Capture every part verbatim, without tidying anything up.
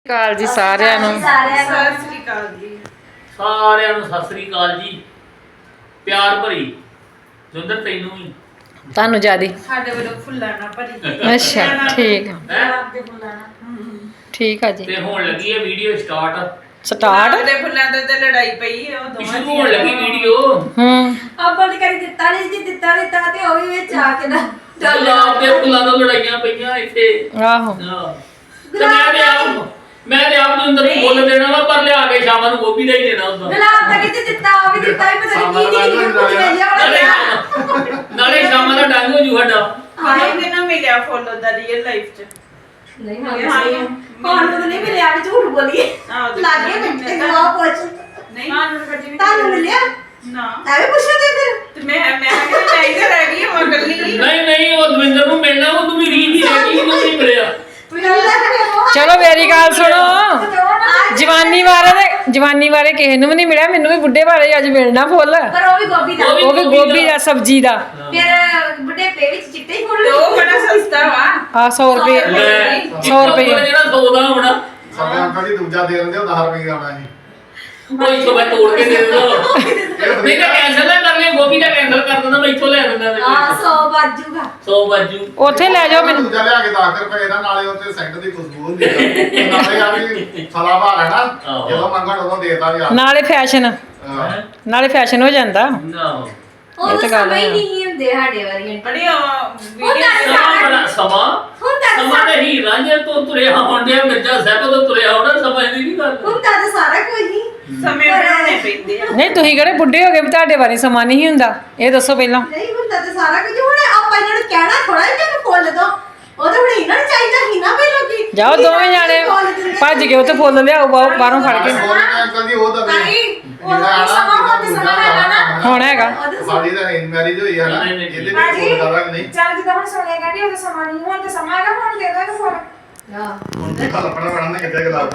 ਕਾਲ ਜੀ ਸਾਰਿਆਂ ਨੂੰ ਸਤਿ ਸ੍ਰੀ ਅਕਾਲ ਜੀ ਸਾਰਿਆਂ ਨੂੰ ਸਤਿ ਸ੍ਰੀ ਅਕਾਲ ਜੀ। ਪਿਆਰ ਭਰੀ ਜੁੰਦਰ ਤੈਨੂੰ ਵੀ ਤੁਹਾਨੂੰ ਜਿਆਦੀ ਸਾਡੇ ਵੱਲੋਂ ਫੁੱਲਾਂ ਨਾਲ ਭਰੀ ਅੱਛਾ ਠੀਕ ਆ ਹੈ ਦੇ ਫੁੱਲਾਂ ਨਾਲ ਠੀਕ ਆ ਜੀ ਤੇ ਹੁਣ ਲੱਗੀ ਹੈ ਵੀਡੀਓ ਸਟਾਰਟ। ਸਟਾਰਟ ਦੇ ਫੁੱਲਾਂ ਦੇ ਤੇ ਲੜਾਈ ਪਈ ਹੈ ਉਹ ਦੋਵਾਂ ਸ਼ੁਰੂ ਹੋਣ ਲੱਗੀ ਵੀਡੀਓ। ਹੂੰ ਆਪਾਂ ਨੇ ਕਰੀ ਦਿੱਤਾ ਨਹੀਂ ਜੀ ਦਿੱਤਾ ਦਿੱਤਾ ਤੇ ਉਹ ਵੀ ਵਿੱਚ ਆ ਕੇ ਨਾ ਗੁਲਾਬ ਦੇ ਫੁੱਲਾਂ ਤੋਂ ਲੜਾਈਆਂ ਪਈਆਂ ਇੱਥੇ। ਆਹੋ ਹਾਂ ਤੇ ਮੈਂ ਤੇ ਆਪ ਮੈਂ ਤੇ ਆਪ ਜੁੰਦਰ ਨੂੰ ਫੁੱਲ ਦੇਣਾ ਵਾ ਪਰ ਲਿਆ ਕੇ ਸ਼ਾਮਾਂ ਨੂੰ ਗੋਭੀ ਦਾ ਹੀ ਦੇਣਾ ਹੁੰਦਾ। ਗੁਲਾਬ ਦਾ ਕਿਤੇ ਦਿੱਤਾ ਉਹ ਵੀ ਦਿੱਤਾ ਹੀ ਪਤਾ ਨਹੀਂ ਕੀ ਕੀ ਕੁਝ ਲੈ ਲਿਆ ਨਾਲੇ ਨਾਲੇ ਸ਼ਾਮਾਂ ਦਾ ਡੰਗ ਹੋ ਜੂ ਸਾਡਾ। ਹਾਏ ਕਿਨੂੰ ਮਿਲਿਆ ਫੁੱਲ ਉਹਦਾ ਰੀਅਲ ਲਾਈਫ ਚ ਨਹੀਂ ਹਾਂ ਕੌਣ ਨੂੰ ਨਹੀਂ ਮਿਲਿਆ ਵੀ ਝੂਠ ਬੋਲੀਏ ਲੱਗੇ ਮਿੰਟੇ ਨੂੰ ਆ ਪੁੱਛ ਨਹੀਂ ਹਾਂ ਨੂੰ ਕੱਢੀ ਵੀ ਤੁਹਾਨੂੰ ਮਿਲਿਆ ਨਾ ਐਵੇਂ ਪੁੱਛਿਆ ਤੇ ਫਿਰ ਤੇ ਮੈਂ ਮੈਂ ਕਿਹਾ ਚਾਹੀਦਾ ਰਹਿ ਗਈ ਮੈਂ ਕੱਲੀ ਨਹੀਂ ਨਹੀਂ ਉਹ ਦਵਿੰਦਰ ਨੂੰ ਮਿਲਣਾ ਉਹ ਤੂੰ ਵੀ ਰੀਤ ਹੀ ਰਹਿ ਗਈ ਉਹਨੂੰ ਨਹੀਂ ਮਿਲਿਆ। ਚਲੋ ਮੇਰੀ ਗੱਲ ਸੁਣੋ ਜਵਾਨੀ ਬਾਰੇ ਤੇ ਜਵਾਨੀ ਬਾਰੇ ਕਿਸੇ ਨੂੰ ਵੀ ਨਹੀਂ ਮਿਲਿਆ ਮੈਨੂੰ ਵੀ ਬੁੱਢੇ ਬਾਰੇ ਅੱਜ ਮਿਲਣਾ ਫੁੱਲ ਪਰ ਉਹ ਵੀ ਗੋਭੀ ਦਾ ਉਹ ਵੀ ਗੋਭੀ ਦਾ ਸਬਜ਼ੀ ਦਾ ਫਿਰ ਬੁੱਢੇ ਪੇ ਵਿੱਚ ਚਿੱਟੇ ਹੀ ਫੁੱਲ ਤੇ ਉਹ ਬੜਾ ਸਸਤਾ ਵਾ ਆ ਸੌ ਰੁਪਏ ਲੈ ਸੌ ਰੁਪਏ ਜਿਹੜਾ ਸੌ ਦਾ ਹੋਣਾ ਸਾਡੇ ਅੰਕਲ ਜੀ ਦੂਜਾ ਦੇ ਦਿੰਦੇ ਉਹ ਦਸ ਰੁਪਏ ਦਾ ਆਣਾ ਸੀ ਉਹ ਇੱਥੋਂ ਮੈਂ ਤੋੜ ਕੇ ਦੇ ਦਿੰਦਾ। ਨਹੀਂ ਤਾਂ ਕੈਂਸਲ ਨਾ ਕਰ ਲਿਆ ਗੋਭੀ ਦਾ ਕੈਂਸਲ ਕਰ ਦਿੰਦਾ ਮੈਂ ਇੱਥੋਂ ਲੈ ਦਿੰਦਾ ਆ ਸੌ ਬਾਜੂਗਾ ਸੌ ਬਾਜੂ ਉੱਥੇ ਲੈ ਜਾਓ ਮੈਨੂੰ ਦੂਜਾ ਲਿਆ ਕੇ ਦਸ ਰੁਪਏ ਦਾ ਨਾਲੇ ਉੱਤੇ ਸੈਂਟ ਦੀ ਖੁਸ਼ਬੂ ਹੁੰਦੀ ਆ ਨਾਲੇ ਆ ਵੀ ਸਲਾ ਭਾਰ ਹੈ ਨਾ ਜਦੋਂ ਮੰਗਣ ਉਦੋਂ ਦੇਤਾ ਵੀ ਆ ਨਾਲੇ ਫੈਸ਼ਨ ਹਾਂ। ਨਾਲੇ ਫੈਸ਼ਨ ਹੋ ਜਾਂਦਾ ਨਾ ਉਹ ਤਾਂ ਸਮਝ ਹੀ ਨਹੀਂ ਹੁੰਦੇ ਸਾਡੇ ਵਾਰੀ ਬੜੀ ਵੀਡੀਓ ਸਮਾਂ ਬੜਾ ਸਮਾਂ ਹੁਣ ਤਾਂ ਸਮਾਂ ਤੇ ਹੀ ਰਾਂਝੇ ਤੋਂ ਤੁਰਿਆ ਆਉਂਦਿਆ ਮਿਰਜ਼ਾ ਸਾਹਿਬ ਤੋਂ ਤੁਰਿਆ ਆਉਣਾ ਸਮਝਦੀ ਨਹੀਂ ਗੱਲ। ਹੁਣ ਤਾਂ ਸਾਰਾ ਕੁਝ ਹੀ ਸਮੇਂ ਬਣਾਉਣੇ ਪੈਂਦੇ ਆ ਨਹੀਂ ਤੁਸੀਂ ਕਿਹੜੇ ਬੁੱਢੇ ਹੋ ਗਏ ਵੀ ਤੁਹਾਡੇ ਬਾਰੇ ਸਮਾਂ ਨਹੀਂ ਹੁੰਦਾ ਇਹ ਦੱਸੋ ਪਹਿਲਾਂ। ਨਹੀਂ ਹੁੰਦਾ ਤੇ ਸਾਰਾ ਕੁਝ ਹੁਣ ਆਪਾਂ ਇਹਨਾਂ ਨੂੰ ਕਹਿਣਾ ਥੋੜਾ ਜਿਹਾ ਕਿ ਫੁੱਲ ਦੋ ਉਹ ਤਾਂ ਹੁਣ ਇਹਨਾਂ ਨੂੰ ਚਾਹੀਦਾ ਹੀ ਨਾ ਪਹਿਲਾਂ ਕੀ ਜਾਓ ਦੋਵੇਂ ਜਾਣੇ ਭੱਜ ਕੇ ਉੱਥੇ ਫੁੱਲ ਲਿਆਓ ਬਾਹਰੋਂ ਬਾਹਰੋਂ ਫੜ ਕੇ ਹੋਰ ਅੰਕਲ ਜੀ ਉਹ ਤਾਂ ਨਹੀਂ ਉਹ ਸਮਾਂ ਹੁਣ ਤੇ ਸਮਾਂ ਹੈਗਾ ਨਾ ਹੁਣ ਹੈਗਾ ਸਾਡੀ ਤਾਂ ਅਰੇਂਜ ਮੈਰਿਜ ਹੋਈ ਆ ਨਾ ਇਹਦੇ ਵਿੱਚ ਕੋਈ ਜ਼ਿਆਦਾ ਨਹੀਂ ਚੱਲ ਜਿੱਦਾਂ ਹੁਣ ਸੁਣੇਗਾ ਨਹੀਂ ਉਹ ਸਮਾਂ ਨਹੀਂ ਹੁਣ ਤੇ ਸਮਾਂ ਹੈਗਾ ਹੁਣ ਦੇ ਦੋ ਫੋਨ ਹੁਣ ਤੇ ਕਲਪਨਾ ਬਣਨ ਕਿੱਥੇ ਗਲਾਬ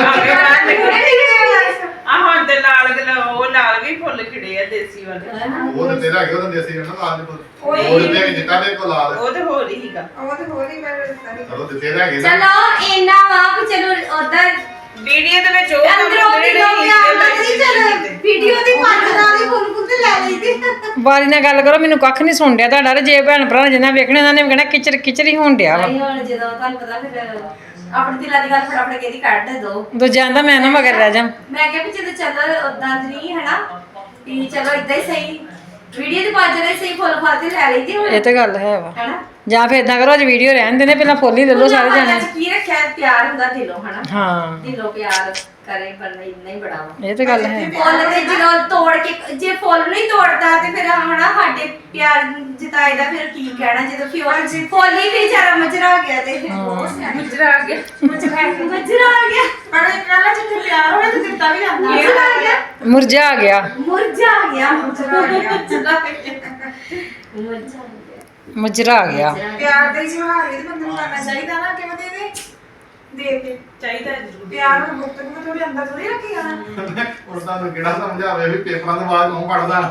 ਆ ਹੁਣ ਤੇ ਲਾਲ ਗਲਾ ਉਹ ਲਾਲ ਵੀ ਫੁੱਲ ਖਿੜੇ ਆ ਦੇਸੀ ਵਾਲੇ ਉਹ ਤੇ ਤੇਰਾ ਹੈਗਾ ਉਹ ਤਾਂ ਦੇਸੀ ਰਹਿਣਾ ਲਾਲ ਦੇ ਕੋਲ ਉਹ ਤੇ ਜਿੱਤਾ ਦੇ ਕੋਲ ਲਾਲ ਉਹ ਤੇ ਹੋਰ ਹੀ ਸੀਗਾ ਉਹ ਤੇ ਹੋਰ ਹੀ ਮੈਂ ਦਿੱਤਾ ਨਹੀਂ ਚਲੋ ਤੇ ਤੇਰਾ ਹੈਗੇ ਚਲੋ ਇੰਨਾ ਵਾ ਵੀ ਚਲੋ ਉਧਰ ਵੀਡੀਓ ਦੇ ਵਿੱਚ ਉਹ ਕੰਮ ਅੰਦਰੋਂ ਜਿਹੜੇ ਵੀ ਲੋਕ ਨਹੀਂ ਆਉਂਦੇ ਨਹੀਂ ਚਲ ਵੀਡੀਓ ਦੀ ਪੰਜ ਨਾਲ ਹੀ ਫੁੱਲ ਫੁੱਲ ਤੇ ਲੈ ਲਈਦੀ ਬਾਰੀ ਨਾਲ ਗੱਲ ਕਰੋ ਮੈਨੂੰ ਕੱਖ ਨਹੀਂ ਸੁਣ ਡਿਆ ਤੁਹਾਡਾ ਤੇ ਜੇ ਭੈਣ ਭਰਾ ਨੇ ਜਿੰਨਾ ਵੇਖਣੇ ਉਹਨਾਂ ਨੇ ਵੀ ਕਹਿਣਾ ਕਿਚਰ ਕਿਚਰ ਹੀ ਹੋਣ ਡਿਆ ਵਾ ਨਹੀਂ ਹੁਣ ਜਦੋਂ ਤੁਹਾਨੂੰ ਪਤਾ ਫਿਰ ਆਪਣੀ ਦਿਲਾਂ ਦੀ ਗੱਲ ਫਟਾਫਟ ਕਿਹਦੀ ਕੱਢ ਦੋ ਦੂਜਿਆਂ ਦਾ ਮੈਂ ਨਾ ਮਗਰ ਰਹਿ ਜਾ ਮੈਂ ਕਿਹਾ ਵੀ ਜਦੋਂ ਚੱਲ ਉਦਾਂ ਨਹੀਂ ਹਨਾ ਵੀ ਚਲੋ ਇਦਾਂ ਹੀ ਸਹੀ ਵੀਡੀਓ ਦੀ ਪੰਜ ਨਾਲ ਸਹੀ ਫੁੱਲ ਫਾਲ ਤੇ ਲੈ ਲਈਦੀ ਹੁਣ ਇਹ ਤਾਂ ਗੱਲ ਹੈ ਵਾ ਹਨਾ ਜਾਂ ਫਿਰ ਇਦਾਂ ਕਰੋ ਅੱਜ ਵੀਡੀਓ ਰਹਿਣ ਦੇਣੇ ਪਹਿਲਾਂ ਫੁੱਲ ਹੀ ਲੈ ਲਓ ਸਾਰੇ ਜਾਣੇ ਕੀ ਰੱਖਿਆ ਪਿਆਰ ਹੁੰਦਾ ਦਿਲੋਂ ਹਨਾ ਹਾਂ ਦਿਲੋਂ ਪਿਆਰ ਕਰੇ ਪਰ ਇੰਨਾ ਹੀ ਬੜਾ ਵਾ ਇਹ ਤਾਂ ਗੱਲ ਹੈ ਫੁੱਲ ਤੇ ਜਦੋਂ ਤੋੜ ਕੇ ਜੇ ਫੁੱਲ ਨਹੀਂ ਤੋੜਦਾ ਤੇ ਫਿਰ ਹਨਾ ਸਾਡੇ ਪਿਆਰ ਜਤਾਏ ਦਾ ਫਿਰ ਕੀ ਕਹਿਣਾ ਜਦੋਂ ਫਿਓਰ ਫੁੱਲ ਹੀ ਵਿਚਾਰਾ ਮਜਰਾ ਗਿਆ ਤੇ ਮੁਜਰਾ ਆ ਗਿਆ ਮਜਰਾ ਆ ਗਿਆ ਪਰ ਇਹਨਾਂ ਜਿੱਥੇ ਪਿਆਰ ਹੋਵੇ ਤੇ ਦਿੱਤਾ ਵੀ ਜਾਂਦਾ ਮਜਰਾ ਆ ਗਿਆ ਮੁਰਝਾ ਆ ਗਿਆ ਮੁਰਝਾ ਆ ਗਿਆ ਮੁਰਝਾ ਆ ਗਿਆ। ਮੁਰਝਾ ਆ ਗਿਆ ਮੁਜਰਾ ਆ ਗਿਆ ਪਿਆਰ ਦੇ ਜਵਾਹਰ ਵੀ ਤੇ ਬੰਦੇ ਨੂੰ ਕਰਨਾ ਚਾਹੀਦਾ ਨਾ ਕਿਵੇਂ ਦੇ ਦੇ ਦੇ ਕੇ ਚਾਹੀਦਾ ਜ਼ਰੂਰ ਪਿਆਰ ਨੂੰ ਮੁਕਤ ਨੂੰ ਥੋੜੀ ਅੰਦਰ ਥੋੜੀ ਰੱਖੀ ਜਾਣਾ ਉਹ ਤੁਹਾਨੂੰ ਕਿਹੜਾ ਸਮਝਾਵੇ ਵੀ ਪੇਪਰਾਂ ਤੋਂ ਬਾਅਦ ਕੌਣ ਪੜਦਾ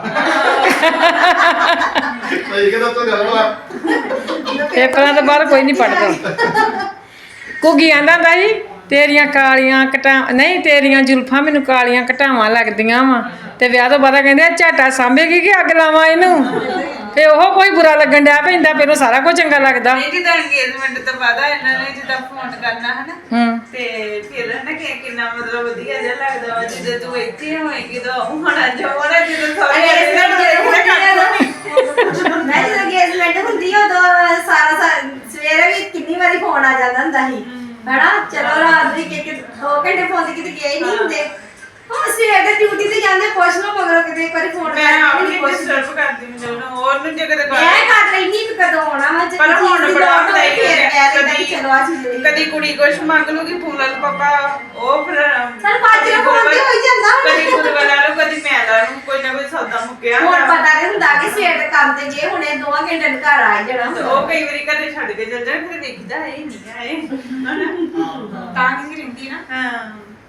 ਸਹੀ ਕਿ ਦੱਸੋ ਗੱਲ ਵਾ ਪੇਪਰਾਂ ਤੋਂ ਬਾਅਦ ਕੋਈ ਨਹੀਂ ਪੜਦਾ ਕੁਗੀ ਆਂਦਾ ਹੁੰਦਾ ਸੀ ਤੇਰੀਆਂ ਕਾਲੀਆਂ ਕਟਾ ਨਹੀਂ ਤੇਰੀਆਂ ਜ਼ੁਲਫਾਂ ਮੈਨੂੰ ਕਾਲੀਆਂ ਘਟਾਵਾਂ ਲੱਗਦੀਆਂ ਵਾ ਤੇ ਵਿਆਹ ਤੋਂ ਬਾਅਦ ਕਹਿੰਦੇ ਝਾਟਾ ਸਾਂਭੇਗੀ ਕਿ ਅੱਗ ਲਾਵਾਂ ਇਹਨੂੰ ਤੇ ਉਹ ਕੋਈ ਬੁਰਾ ਲੱਗਣ ਡਿਆ ਪੈਂਦਾ ਪਹਿਲਾਂ ਸਾਰਾ ਕੁਝ ਚੰਗਾ ਲੱਗਦਾ ਨਹੀਂ ਜਿੱਦਾਂ engagement ਤੋਂ ਬਾਅਦ ਇਹਨਾਂ ਨੇ ਜਿੱਦਾਂ ਫੋਨ ਕਰਨਾ ਹਨਾ ਹੂੰ ਤੇ ਫਿਰ ਨਾ ਕਿ ਕਿੰਨਾ ਮਤਲਬ ਵਧੀਆ ਜਿਹਾ ਲੱਗਦਾ ਵਾ ਜਦੋਂ ਤੂੰ ਇੱਥੇ ਹੋਏਗੀ ਤਾਂ ਹੋਣਾ ਜੋ ਹੋਣਾ ਜਦੋਂ ਸਾਰੇ ਮੈਂ ਜਦੋਂ engagement ਹੁੰਦੀ ਆ ਉਦੋਂ ਸਾਰਾ ਸਾ- ਸਵੇਰੇ ਵੀ ਕਿੰਨੀ ਵਾਰੀ ਫੋਨ ਆ ਜਾਂਦਾ ਹੁੰਦਾ ਸੀ ਹਨਾ ਚਲੋ ਰਾਤ ਦੀ ਕਿ ਦੋ ਘੰਟੇ ਫੋਨ ਤੇ ਕਿਤੇ ਗਏ ਨਹੀਂ ਹੁੰਦੇ ਹੁਣ ਸਵੇਰ ਦੇ ਡਿਊਟੀ ਤੇ ਜਾਂਦੇ ਪੁੱਛ ਲਓ ਮਗਰੋਂ ਕਿਤੇ ਇੱਕ ਵਾਰੀ ਫੋਨ ਮੈਂ ਆਪਣੀ ਡਿਸਟਰਬ ਕਰਦੀ ਮੈਨੂੰ ਹੋਰ ਨੂੰ ਜੇ ਕਦੇ ਮੈਂ ਕਰ ਲੈਣੀ ਕਿ ਕਦੋਂ ਆਉਣਾ ਵਾ ਜੇ ਪਰ ਹੁਣ ਚੀਜ਼ ਦੀ ਬੜਾ ਲੋੜ ਹੋਵੇ ਵਧਾਈ ਫਿਰ ਹੈ। ਕਹਿ ਦਿੰਦਾ ਕਿ ਕਦੀ- ਚਲੋ ਆ ਚੀਜ਼ ਲਈ ਕਦੀ ਕੁੜੀ ਕੁਛ ਮੰਗ ਲੂਗੀ ਫੂਲਨ ਪਾਪਾ ਉਹ ਫਿਰ ਚੱਲ ਪੰਜ ਨੂੰ ਫੋਨ ਤੇ ਹੋਈ ਜਾਂਦਾ ਹੁਣ। ਕਦੀ ਫੂਲਨ ਲਾ ਲਓ ਕਦੀ ਮੈਂ ਲਾ ਲੂੰ ਕੋਈ ਨਾ ਕੋਈ ਸੌਦਾ ਮੁੱਕਿਆ ਹੁਣ ਹੋਣਾ। ਪਤਾ ਨਹੀਂ ਹੁੰਦਾ ਕਿ ਸਵੇਰ ਦੇ ਕੰਮ ਤੇ ਜੇ ਹੁਣੇ ਦੋਵਾਂ ਘੰਟੇ ਨੂੰ ਘਰ ਆ ਜਾਣਾ ਤੇ ਉਹ ਕਈ ਵਾਰੀ ਘਰੇ ਛੱਡ ਕੇ ਚੱਲ ਜਾਣ ਫਿਰ ਦੇਖਦਾ ਇਹ ਨਹੀਂ ਆਏ ਤਾਂ ਕਿਸੇ ਰਿੰਦੀ ਨਾ ਹਾਂ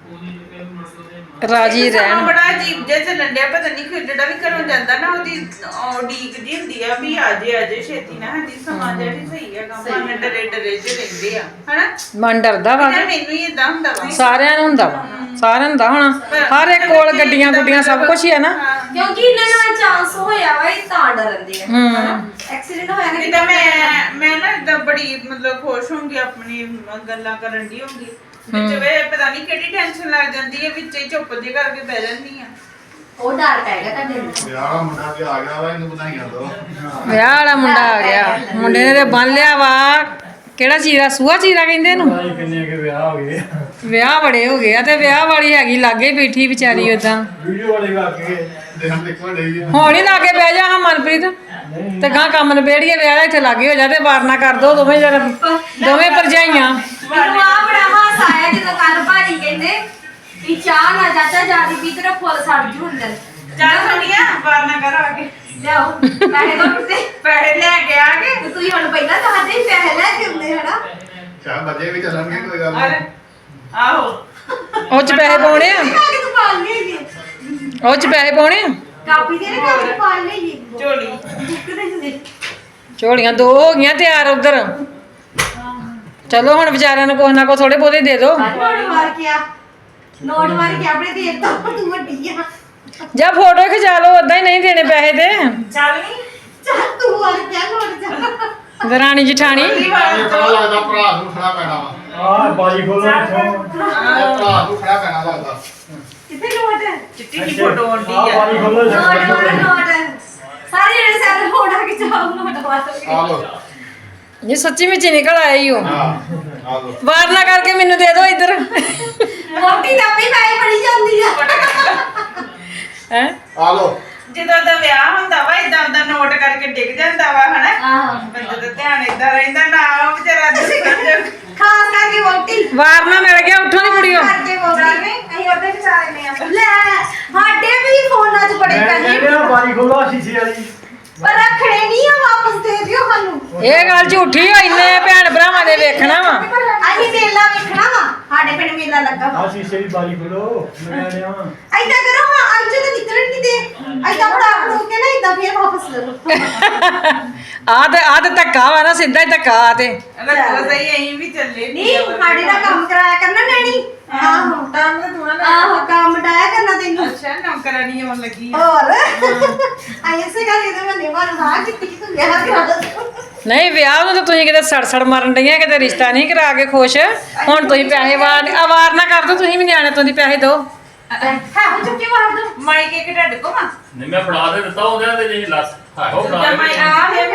ਰਾਜੀ ਸਮਾਂ ਰਹਿਣ। ਬੜਾ ਅਜੀਬ ਜਿਹਾ ਚੱਲਣ ਡਿਆ ਪਤਾ ਨਹੀਂ ਕਿ ਜਿਹੜਾ ਵੀ ਘਰੋਂ ਜਾਂਦਾ ਨਾ ਉਹਦੀ ਉਡੀਕ ਜੀ ਹੁੰਦੀ ਆ ਵੀ ਆ ਜੇ ਆ ਜੇ ਛੇਤੀ ਨਾ ਹਾਂਜੀ ਸਮਾਂ ਜਿਹੜੀ ਸਹੀ ਹੈਗਾ ਮਨ ਡਰੇ ਡਰੇ ਚ ਰਹਿੰਦੇ ਆ ਹਨਾ ਮਨ ਡਰਦਾ ਵਾ ਯਾਰ ਮੈਨੂੰ ਹੀ ਇਦਾਂ ਹੁੰਦਾ ਵਾ ਸਾਰਿਆਂ ਨੂੰ ਹੁੰਦਾ ਵਾ ਸਾਰਿਆਂ ਨੂੰ ਹੁੰਦਾ ਹੋਣਾ ਹਰ ਇੱਕ ਕੋਲ ਗੱਡੀਆਂ ਗੁੱਡੀਆਂ ਸਭ ਕੁਝ ਹੀ ਆ ਨਾ ਕਿਉਂਕਿ ਇਹਨਾਂ ਨਾਲ ਚਾਂਸ ਹੋਇਆ ਵਾ ਇਹ ਤਾਂ ਡਰਦੇ ਆ ਹਨਾ ਐਕਸੀਡੈਂਟ ਹੋਇਆ ਨਾ ਜਿੱਦਾਂ ਮੈਂ ਮੈਂ ਨਾ ਇਦਾਂ ਬੜੀ ਮਤਲਬ ਖੁਸ਼ ਹੋਊਂਗੀ ਆਪਣੀ ਗੱਲਾਂ ਕਰਨ ਦੀ ਹੋਊਂਗੀ ਵਿੱਚ ਵੇ ਪਤਾ ਨਹੀਂ ਕਿਹੜੀ ਟੈਨਸ਼ਨ ਲੱਗ ਜਾਂਦੀ ਹੈ ਵਿੱਚ ਹੀ ਚੁੱਪ ਜੇ ਕਰਕੇ ਬਹਿ ਜਾਂਦੀ ਆ ਉਹ ਡਰ ਪੈਗਾ ਤੁਹਾਡੇ ਨੂੰ ਵਿਆਹ ਮੁੰਡਾ ਵੀ ਆ ਗਿਆ ਵਾ ਇਹਨੂੰ ਵਧਾਈਆਂ ਦੋ ਵਿਆਹ ਵਾਲਾ ਮੁੰਡਾ ਆ ਗਿਆ ਮੁੰਡੇ ਨੇ ਤੇ ਬੰਨ ਲਿਆ ਵਾ ਕਿਹੜਾ ਚੀਰਾ ਸੂਆ ਚੀਰਾ ਕਹਿੰਦੇ ਇਹਨੂੰ ਕਿੰਨੇ ਕੇ ਵਿਆਹ ਹੋ ਗਏ ਵਿਆਹ ਬੜੇ ਹੋ ਗਏ ਆ ਤੇ ਵਿਆਹ ਵਾਲੀ ਹੈਗੀ ਲਾਗੇ ਬੈਠੀ ਵਿਚਾਰੀ ਉਦਾਂ ਵੀਡੀਓ ਵਾਲੇ ਵਾ ਕੇ ਦੇਖਣ ਦੇਖਣ ਡਈ ਆ ਹੁਣ ਹੀ ਲਾਗੇ ਬਹਿ ਜਾ ਹਾਂ ਮਨਪ੍ਰੀਤ ਤੇ ਗਾਂ ਕੰਮ ਨਿਬੇੜੀਏ ਵਿਆਹ ਦਾ ਇੱਥੇ ਲਾਗੇ ਹੋ ਜਾ ਤੇ ਵਾਰਨਾ ਕਰ ਦੋ ਦੋਵੇਂ ਜਰ ਦੋਵੇਂ ਭਰਜਾਈਆਂ ਮੈਨੂੰ ਆ ਬੜਾ ਹਾਸਾ ਆਇਆ ਜਦੋਂ ਕੱਲ ਭਾਜੀ ਕਹਿੰਦੇ ਕਿ ਚਾਹ ਨਾ ਚਾਚਾ ਜਾਦੀ ਪੀ ਤੇਰਾ ਫੁੱਲ ਸੜ ਜੂ ਅੰਦਰ ਚੱਲ ਸੋਨੀਆ ਵਾਰਨਾ ਕਰ ਆ ਕੇ ਲਿਆਓ ਪੈਸੇ ਦੋ ਕਿਤੇ ਪੈਸੇ ਲੈ ਕੇ ਆ ਕੇ ਤੇ ਤੁਸੀਂ ਹੁਣ ਪਹਿਲਾਂ ਦੱਸਦੇ ਸੀ ਪੈਸੇ ਲੈ ਕੇ ਹੁੰਦੇ ਹਨਾ ਚਾਹ ਬੱਜੇ ਵੀ ਚੱਲਣਗੇ ਕੋਈ ਗੱਲ ਅਰੇ ਨਹੀਂ ਆਹੋ ਉਹ ਚ ਪੈਸੇ ਪਾਉਣੇ ਆ ਕਿ ਤੂੰ ਪਾ ਲਈ ਉਹ ਚ ਪੈਸੇ ਪਾਉਣੇ ਆ ਕਾਪੀ ਦੇ ਨਾ ਕਾਪੀ ਪਾ ਲਈ ਝੋਲੀ ਕਿਤੇ ਜਦੇ ਝੋਲੀਆਂ ਦੋ ਹੋ ਗਈਆਂ ਤਿਆਰ ਉਧਰ ਚਲੋ ਹੁਣ ਵਿਚਾਰਿਆਂ ਨੂੰ ਕੁਛ ਨਾ ਕੁਛ ਥੋੜੇ ਬਹੁਤੇ ਦੇ ਦਿਓ ਨੋਟ ਮਾਰ ਕੇ ਆ ਨੋਟ ਮਾਰ ਕੇ ਆਪਣੇ ਦੇ ਤਾ ਤੂੰ ਵੱਡੀ ਆ ਜਾਂ ਫੋਟੋ ਖਿਚਾ ਲਓ ਓਦਾਂ ਹੀ ਨਹੀਂ ਦੇਣੇ ਪੈਸੇ ਤੇ ਚੱਲ ਨੀ ਚੱਲ ਤੂੰ ਮਾਰ ਕੇ ਆ ਨੋਟ ਜਾ ਦਰਾਣੀ ਜਠਾਣੀ ਇਹ ਪਤਾ ਲੱਗਦਾ ਭਰਾ ਨੂੰ ਖੜਾ ਪੈਣਾ ਵਾ ਆ ਬਾਜੀ ਖੋਲੋ ਇੱਥੋਂ ਇਹ ਭਰਾ ਨੂੰ ਖੜਾ ਪੈਣਾ ਲੱਗਦਾ ਕਿੱਥੇ ਨੋਟ ਚਿੱਟੀ ਦੀ ਫੋਟੋ ਆਉਂਦੀ ਆ ਆ ਬਾਜੀ ਖੋਲੋ ਨੋਟ ਨੋਟ ਨੋਟ ਸਾਰੇ ਜਿਹੜੇ ਸਾਰੇ ਫੋਟੋ ਖਿਚਾਓ ਨੋਟ ਵਾਸਤੇ ਆ ਲੋ ਇਹ ਸੱਚੀ ਵਿੱਚ ਹੀ ਨਿਕਲ ਆਇਆ ਹੀ ਉਹ ਹਾਂ ਆ ਲੋ ਵਾਰਨਾ ਕਰਕੇ ਮੈਨੂੰ ਦੇ ਦਿਓ ਇੱਧਰ ਮੋਟੀ ਤਾਂ ਵੀ ਮੈਂ ਬੜੀ ਜਾਂਦੀ ਆ ਹੈ ਆ ਲੋ ਜਦੋਂ ਦਾ ਵਿਆਹ ਹੁੰਦਾ ਵਾ ਇਦਾਂ ਦਾ ਨੋਟ ਕਰਕੇ ਡਿੱਗ ਜਾਂਦਾ ਵਾ ਹਨਾ ਆਹ ਬੰਦੇ ਦਾ ਧਿਆਨ ਇਦਾਂ ਰਹਿੰਦਾ ਨਾ ਉਹ ਵਿਚਾਰਾ ਦੁਕਾਨ ਖਾਸ ਕਰਕੇ ਮੋਟੀ ਵਾਰਨਾ ਮਿਲ ਗਿਆ ਉੱਠੋ ਨੀ ਕੁੜੀਓ ਕਰਕੇ ਮੋਟੀ ਅਸੀਂ ਉਹਦੇ ਵਿਚਾਰੇ ਨੇ ਆ ਲੈ ਸਾਡੇ ਵੀ ਫੋਨਾਂ 'ਚ ਬੜੇ ਪੈਸੇ ਕਹਿੰਦੇ ਆ ਬਾਜੀ ਖੋਲੋ ਸ਼ੀਸ਼ੇ ਵਾਲੀ ਪਰ ਰੱਖਣੇ ਨਹੀਂ ਆ ਵਾਪਸ ਦੇ ਦਿਓ ਸਾਨੂੰ ਇਹ ਗੱਲ ਝੂਠੀ ਹੋ ਇੰਨੇ ਭੈਣ ਭਰਾਵਾਂ ਦੇ ਵੇਖਣਾ ਵਾ ਅਸੀਂ ਮੇਲਾ ਵੇਖਣਾ ਵਾ ਸਾਡੇ ਪਿੰਡ ਮੇਲਾ ਲੱਗਾ ਵਾ ਆ ਸ਼ੀਸ਼ੇ ਦੀ ਬਾਜੀ ਖੋਲੋ ਮੈਂ ਲਿਆ ਐਦਾਂ ਕਰੋ ਹਾਂ ਅੱਜ ਤਾਂ ਨਿਕਲਣ ਨਹੀਂ ਦੇ ਐਦਾਂ ਫੜਾ ਫੜੋ ਕੇ ਨਾ ਐਦਾਂ ਫੇਰ ਵਾਪਸ ਲੈ ਲਓ ਆ ਤੇ ਆ ਤੇ ਧੱਕਾ ਵਾ ਨਾ ਸਿੱਧਾ ਹੀ ਧੱਕਾ ਆ ਤੇ ਰੱਖੋ ਸਹੀ ਅਸੀਂ ਵੀ ਚੱਲੇ ਨਹੀਂ ਸਾਡੇ ਦਾ ਕੰਮ ਕਰਾਇਆ ਕਰਨਾ ਨੈਣੀ ਆਹੋ ਤਾਂ ਮੈਂ ਥੋੜਾ ਆਹੋ ਕੰਮ ਡਾਇਆ ਕਰਨਾ ਤੈਨੂੰ ਅੱਛਾ ਨੌਕਰਾਨੀ ਆਉਣ ਲੱਗੀ ਆ ਹੋਰ ਐਸੇ ਗੱਲ ਇਹਦੇ ਮੈਂ ਨਿਵਾਰ ਨਾ ਕਿਤੇ ਤੂੰ ਵਿਆਹ ਕਰਾ ਦੋ ਨਹੀਂ ਵਿਆਹ ਨੂੰ ਤਾਂ ਤੁਸੀਂ ਕਿਤੇ ਸੜ ਸੜ ਮਰਨ ਡਈਆਂ ਕਿਤੇ ਰਿਸ਼ਤਾ ਨਹੀਂ ਕਰਾ ਕੇ ਖੁਸ਼ ਹੁਣ ਤੁਸੀਂ ਪੈਸੇ ਵਾਰ ਅਵਾਰ ਨਾ ਕਰ ਦੋ ਤੁਸੀਂ ਵੀ ਨਿਆਣੇ ਤੋਂ ਦੀ ਪੈਸੇ ਦਿਓ ਹਾਂ ਚੁੱਕੀ ਮਾਰ ਦੋ ਮਾਈਕ ਇੱਕ ਢੱਡ ਕੋ ਮਾ ਨਹੀਂ ਮੈਂ ਫੜਾ ਦੇ ਦਿੱਤਾ ਉਹਦੇ ਤੇ ਜੇ ਲੱਸ ਹਾਓ ਫੜਾ ਜਦ ਮੈਂ ਦੇ ਆ ਗਿਆ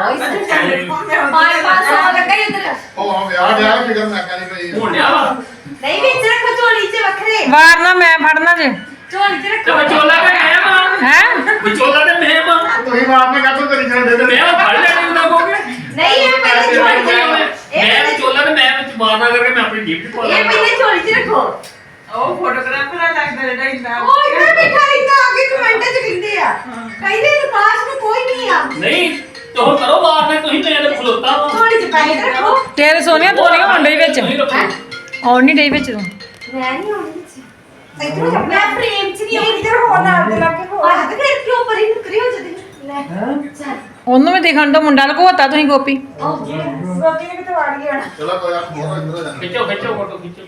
ਫਿਰ ਮਾਰ ਪਾਸ ਆ ਲੱਗਾ ਇੱਧਰ ਉਹ ਆ ਵਿਆਹ ਵਿਆਹ ਫਿਕਰ ਮੈਂ ਕਹਿੰਦੀ ਪਈ ਹੁਣ ਲਿਆ ਵਾ ਨਹੀਂ ਵਿੱਚ ਰੱਖੋ ਝੋਲੀ 'ਚ ਵੱਖਰੇ ਵਾਰ ਨਾ ਮੈਂ ਫੜਨਾ ਜੇ ਝੋਲੀ 'ਚ ਤੇ ਰੱਖੋ ਵਿਚੋਲਾ ਤੇ ਮੈਂ ਮਾਂ ਹੈ ਵਿਚੋਲਾ ਤੇ ਮੈਂ ਮਾਂ ਤੁਸੀਂ ਮਾਰ ਨੇ ਕਾਹਤੋਂ ਕਰੀ ਜਾਂਦੇ ਤੇ ਮੈਂ ਉਹ ਫੜ ਲੈਣੀ ਹੁੰਦਾ ਕੋਗੇ ਨਹੀਂ ਇਹ ਪਹਿਲੇ ਝੋਲੀ 'ਚ ਰੱਖੋ ਇਹ ਮੈਂ ਪਹਿਲੇ ਵਿਚੋਲਾ ਤੇ ਮੈਂ ਵਿੱਚ ਮਾਰਨਾ ਕਰਕੇ ਮੈਂ ਆਪਣੀ ਜੀਬ 'ਚ ਪਾ ਇਹ ਲਾਂ ਪਹਿਲੇ ਝੋਲੀ 'ਚ ਰੱਖੋ ਉਹ ਫੋਟੋਗ੍ਰਾਫਰ ਲੱਗਦਾ ਜਿਹੜਾ ਇੰਨਾ ਉਹ ਇੱਧਰ ਬਿਠਾ ਰਹਿੰਦਾ ਅੱਗੇ ਕਮੈਂਟ 'ਚ ਕਹਿੰਦੇ ਆ ਕਹਿੰਦੇ ਵਿਕਾਸ ਨੂੰ ਕੋਈ ਨਹੀਂ ਆ ਨਹੀਂ ਤੇ ਹੁਣ ਕਰੋ ਬਾਹਰ ਨੇ ਤੁਸੀਂ ਮੇਰੇ ਖਲੋਤਾ ਵਾ ਝੋਲੀ 'ਚ ਪੈਸੇ ਰੱਖੋ ਤੇਰੇ ਸੋਨੀਆ ਤੋਰੀਆਂ ਹੋਣ ਡਈ ਵਿੱਚ ਤੁਸੀਂ ਰੱਖੋ ਆਉਣ ਨਹੀਂ ਡਈ ਵਿੱਚ ਤੂੰ ਮੈਂ ਨਹੀਂ ਆਉਣੀ ਵਿੱਚ ਇੱਧਰ ਮੈਂ ਫਰੇਮ 'ਚ ਨਹੀਂ ਆਉਣੀ ਇੱਧਰ ਹੋਣ ਨਾਲ ਦੇ ਲੱਗੇ ਹੋ ਆ ਤੇ ਫਿਰ ਕਿਉਂ ਪਰੀ ਨੁਕਰੀ ਹੋ ਜਾਂਦੀ ਲੈ ਚੱਲ ਉਹਨੂੰ ਵੀ ਦਿਖਣ ਤੋਂ ਮੁੰਡਾ ਲਗੋਤਾ ਤੁਸੀਂ ਗੋਪੀ ਓਕੇ ਰੋਟੀ ਨੇ ਕਿਤੇ ਵੜ ਗਈ ਹੁਣ ਚਲੋ ਕੋਈ ਆ ਫੋਟੋ ਇੰਦਰ ਹੋ ਜਾਣਾ ਖਿੱਚੋ ਖਿੱਚੋ ਫੋਟੋ ਖਿੱਚੋ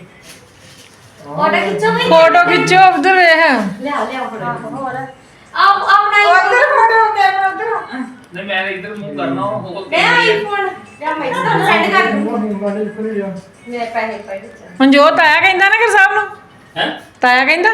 ਉਹਦਾ ਖਿੱਚੋ ਵੀ ਫੋਟੋ ਖਿੱਚੋ ਉਧਰ ਵੇਖ ਲਿਆ ਲਿਆ ਫੜੋ ਆਓ ਆਓ ਨਾ ਉਧਰ ਫੋਟੋ ਕੈਮਰਾ ਉਧਰ ਨਹੀਂ ਮੈਂ ਇੱਧਰ ਮੂੰਹ ਕਰਨਾ ਉਹ ਮੈਂ ਆਈਫੋਨ ਜਾਂ ਮੈਂ ਤੁਹਾਨੂੰ ਸੈਂਡ ਕਰ ਦੂੰ ਬਾਜੀ ਖੋਲੀ ਜਾ ਮੇਰੇ ਪੈਸੇ ਪੜੇ ਚੱਲ ਮਨਜੋਤ ਆਇਆ ਕਹਿੰਦਾ ਨਾ ਕਿ ਸਾਹਿਬ ਨੂੰ ਹੈ ਤਾਇਆ ਕਹਿੰਦਾ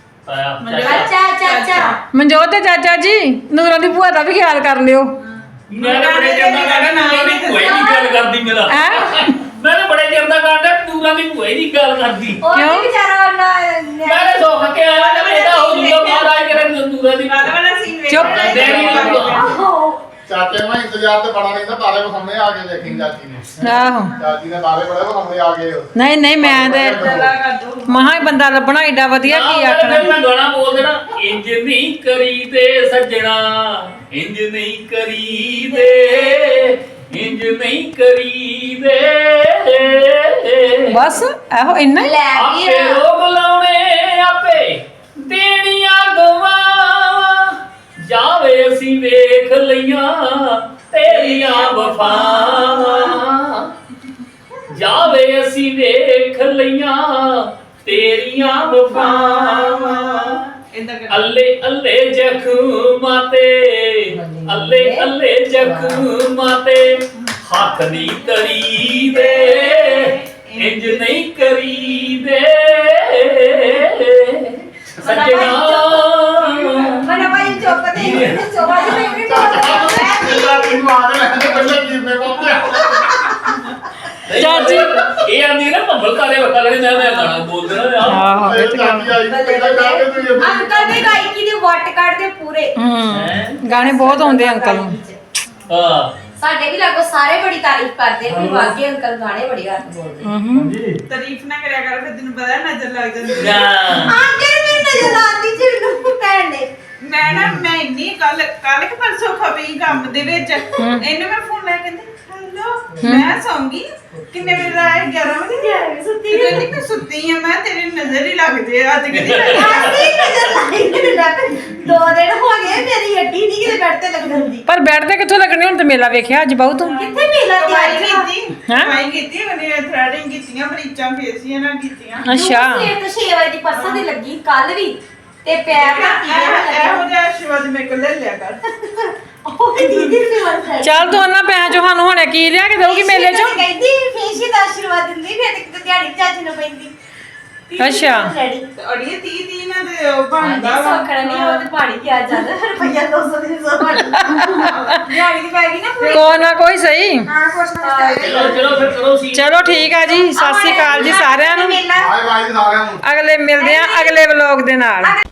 ਆਇਆ ਅੱਛਾ ਅੱਛਾ ਅੱਛਾ ਮਨਜੋਤ ਤੇ ਚਾਚਾ ਜੀ ਨੂਰਾਂ ਦੀ ਭੂਆ ਦਾ ਵੀ ਖਿਆਲ ਕਰ ਲਿਓ ਮੈਂ ਤਾਂ ਬੜੇ ਚਿਰ ਦਾ ਕਹਿੰਦਾ ਨੂਰਾਂ ਦੀ ਭੂਆ ਹੀ ਨਹੀਂ ਗੱਲ ਕਰਦੀ ਮੇਰਾ ਹੈ ਮੈਂ ਤਾਂ ਬੜੇ ਚਿਰ ਦਾ ਕਹਿੰਦਾ ਨੂਰਾਂ ਦੀ ਭੂਆ ਹੀ ਨਹੀਂ ਗੱਲ ਕਰਦੀ ਉਹ ਕਿਉਂ? ਵੀ ਵਿਚਾਰਾ ਨਾ ਮੈਂ ਤਾਂ ਸੁੱਖ ਕੇ ਆਇਆ ਤੇ ਇਹਦਾ ਹੋ ਜੂਗਾ ਮਹਾਰਾਜ ਕਰੇ ਨੂਰਾਂ ਦੀ ਬਾਦ ਵਾਲਾ ਸੀਨ ਵੇਖ ਚੁੱਪ। ਦੇਣੀ ਆਹੋ ਚਾਚੇ ਨਾਲ ਇੰਤਜ਼ਾਰ ਤੇ ਬੜਾ ਰਹਿੰਦਾ ਤਾਰੇ ਕੋ ਸਾਹਮਣੇ ਆ ਕੇ ਦੇਖੀ ਚਾਚੀ ਨੇ ਆਹੋ ਚਾਚੀ ਨੇ ਤਾਰੇ ਬੜੇ ਕੋ ਸਾਹਮਣੇ ਆ ਗਏ ਨਹੀਂ ਨਹੀਂ ਮੈਂ ਤੇ ਚਲਾ ਕਰ ਦੋ ਮਹਾ ਹੀ ਬੰਦਾ ਲੱਭਣਾ ਏਡਾ ਵਧੀਆ ਕੀ ਆਖਣਾ ਮੈਂ ਗਾਣਾ ਬੋਲ ਦੇਣਾ ਇੰਜ ਨਹੀਂ ਕਰੀਦੇ ਸੱਜਣਾ ਇੰਜ ਨਹੀਂ ਕਰੀਦੇ ਇੰਜ ਨਹੀਂ ਕਰੀਦੇ ਬਸ ਇਹੋ ਇੰਨਾ ਹੀ ਲੈ ਆਪੇ ਵੀ ਰੋਗ ਲਾਉਣ ਵਫਾਵਾਂ ਜਾਵੇ ਅਸੀਂ ਵੇਖ ਲਈਆਂ ਤੇਰੀਆਂ ਵਫਾਵਾਂ ਇਦਾਂ ਕਰ ਅੱਲੇ ਅੱਲੇ ਜ਼ਖਮਾਂ ਤੇ ਅੱਲੇ ਅੱਲੇ ਜ਼ਖਮਾਂ ਤੇ ਹੱਥ ਨਹੀਂ ਕਰੀਦੇ ਇੰਜ ਨਹੀਂ ਕਰੀਦੇ ਸੱਜਣਾ ਮਨਾ ਭਾਈ ਚੁੱਪ ਤੇ ਚੁੱਪ ਤੇ ਨਹੀਂ ਇਹਦਾ ਤੈਨੂੰ ਮਾਰ ਲੈ ਪਹਿਲਾਂ ਜੀਵੇ ਪਾਉਂਦੇ ਚਾਚੀ। ਇਹ ਆਂਦੀ ਨਾ ਭੰਬਲ ਤਾਰੇ ਵਟਾ ਲੈਣੇ ਮੈਂ ਮੈਂ ਗਾਣਾ ਬੋਲ ਦੇਣਾ ਆਹੋ ਇਹ ਤਾਂ ਗੱਲ। ਆਈ ਪਹਿਲਾਂ ਜਾ ਕੇ ਤੂੰ ਇਹ ਅੰਕਲ ਦੇ ਗਾਇਕੀ ਦੇ ਵੱਟ ਕੱਢਦੇ ਪੂਰੇ ਹੂੰ ਗਾਣੇ ਬਹੁਤ ਆਉਂਦੇ ਅੰਕਲ ਨੂੰ। ਹਾਂ ਸਾਡੇ ਵੀ ਲਾਗੋ ਸਾਰੇ ਬੜੀ ਤਾਰੀਫ ਕਰਦੇ ਵੀ ਵਾਕਈ ਅੰਕਲ ਗਾਣੇ ਬੜੀ ਘੱਟ ਬੋਲਦੇ ਹਾਂਜੀ ਤਾਰੀਫ ਨਾ ਕਰਿਆ ਕਰ ਫਿਰ ਤੈਨੂੰ ਪਤਾ ਨਜ਼ਰ ਲੱਗ ਜਾਂਦੀ ਨਾ ਅੰਕਲ ਮੈਨੂੰ ਨਜ਼ਰ ਆਉਂਦੀ ਜੀ ਮੈਨੂੰ ਭੈਣ ਨੇ ਮੈਂ ਨਾ ਮੈਂ ਇੰਨੀ ਕੱਲ ਕੱਲ ਕਿ ਪਰਸੋਂ ਖਪੀ ਕੰਮ ਦੇ ਵਿੱਚ ਇਹਨੂੰ ਮੈਂ ਫੋਨ ਲੈ ਕੇ ਕਹਿੰਦੀ ਹੈਲੋ ਮੈਂ ਸੌਂਗੀ ਕਿੰਨੇ ਵਜੇ ਦਾ ਹੈ ਗਿਆਰਾਂ ਵਜੇ ਸੁੱਤੀ ਕਹਿੰਦੀ ਮੈਂ ਸੁੱਤੀ ਆ ਮੈਂ ਤੇਰੀ ਨਜ਼ਰ ਹੀ ਲੱਗਦੇ ਆ ਅੱਜ ਕਿਹਦੀ ਆਸੀ ਨਜ਼ਰ ਲਾਈ ਮੈਨੂੰ ਲੱਗ ਦੋ ਦਿਨ ਹੋ ਗਏ ਮੇਰੀ ਹੱਡੀ ਨਹੀਂ ਕਿਤੇ ਬੈਠ ਤੇ ਲੱਗਣ ਦੀ ਪਰ ਬੈਠ ਤੇ ਕਿੱਥੋਂ ਲੱਗਣੇ ਹੁਣ ਤੇ ਮੇਲਾ ਵੇਖਿਆ ਅੱਜ ਬਹੁਤ ਤੂੰ। ਕਿੱਥੇ ਮੇਲਾ ਕਮਾਈ ਤਿਆਰ ਕੀਤੀ ਹੈਂ? ਕਮਾਈ ਕੀਤੀ ਉਹਨੇ ਥ੍ਰੈਡਿੰਗ ਕੀਤੀਆਂ ਬਲੀਚਾਂ ਫੇਸੀਆਂ ਨਾ ਕੀਤੀਆਂ ਅੱਛਾ ਸਵੇਰ ਤੋਂ ਛੇ ਵਜੇ ਦੀ ਪਰਸੋਂ ਦੀ ਲੱਗੀ ਕੱਲ ਵੀ ਤੇ ਪੈਰ ਧਰਤੀ ਦੇ ਇਹੋ ਲੱਗੇ ਜਿਹਾ ਆਸ਼ੀਰਵਾਦ ਮੇਰੇ ਕੋਲ ਲੈ ਲਿਆ ਕਰ ਉਹ ਵੀ ਦੀਦੀ ਨੇ ਮਨ ਚੱਲ ਤੂੰ ਉਹਨਾਂ ਪੈਸਿਆਂ ਚੋਂ ਸਾਨੂੰ ਹੁਣੇ ਕੀ ਲਿਆ ਕੇ ਦਊਗੀ ਮੇਲੇ ਚੋਂ। ਕਹਿੰਦੀ ਫੇਸ਼ੀ ਦਾ ਆਸ਼ੀਰਵਾਦ ਦਿੰਦੀ ਫਿਰ ਤੇ ਕਿਤੇ ਦਿਹਾੜੀ ਚਾਚੀ ਨੂੰ ਪੈਂਦੀ ਅੱਛਾ। ਰੈਡੀ ਅੜੀਏ ਤੀਹ ਤੀਹ ਨਾ ਤੇ ਉਹ ਬਣਦਾ ਵਾ ਸੋਖਣਾ ਨਹੀਂ ਉਹ ਤੇ ਪਾਣੀ ਕੀ ਆ ਜਾਂਦਾ ਰੁਪਈਆ ਦੋ ਸੌ ਦੀ ਸੌ ਦਿਹਾੜੀ ਦੀ ਪੈ ਗਈ ਨਾ ਪੂਰੀ ਕੋਈ ਨਾ ਕੋਈ ਸਹੀ। ਹਾਂ ਕੁਛ ਨਾ ਕੁਛ ਤਾਂ ਚਲੋ ਚਲੋ ਫਿਰ ਕਰੋ ਸੀ ਚਲੋ ਠੀਕ ਆ ਜੀ, ਸਤਿ ਸ਼੍ਰੀ ਅਕਾਲ ਜੀ ਸਾਰਿਆਂ ਨੂੰ। ਮੇਲਾ ਬਾਏ ਬਾਏ ਜੀ ਸਾਰਿਆਂ ਨੂੰ ਅਗਲੇ ਮਿਲਦੇ ਆ ਅਗਲੇ ਵਲੋਗ ਦੇ ਨਾਲ।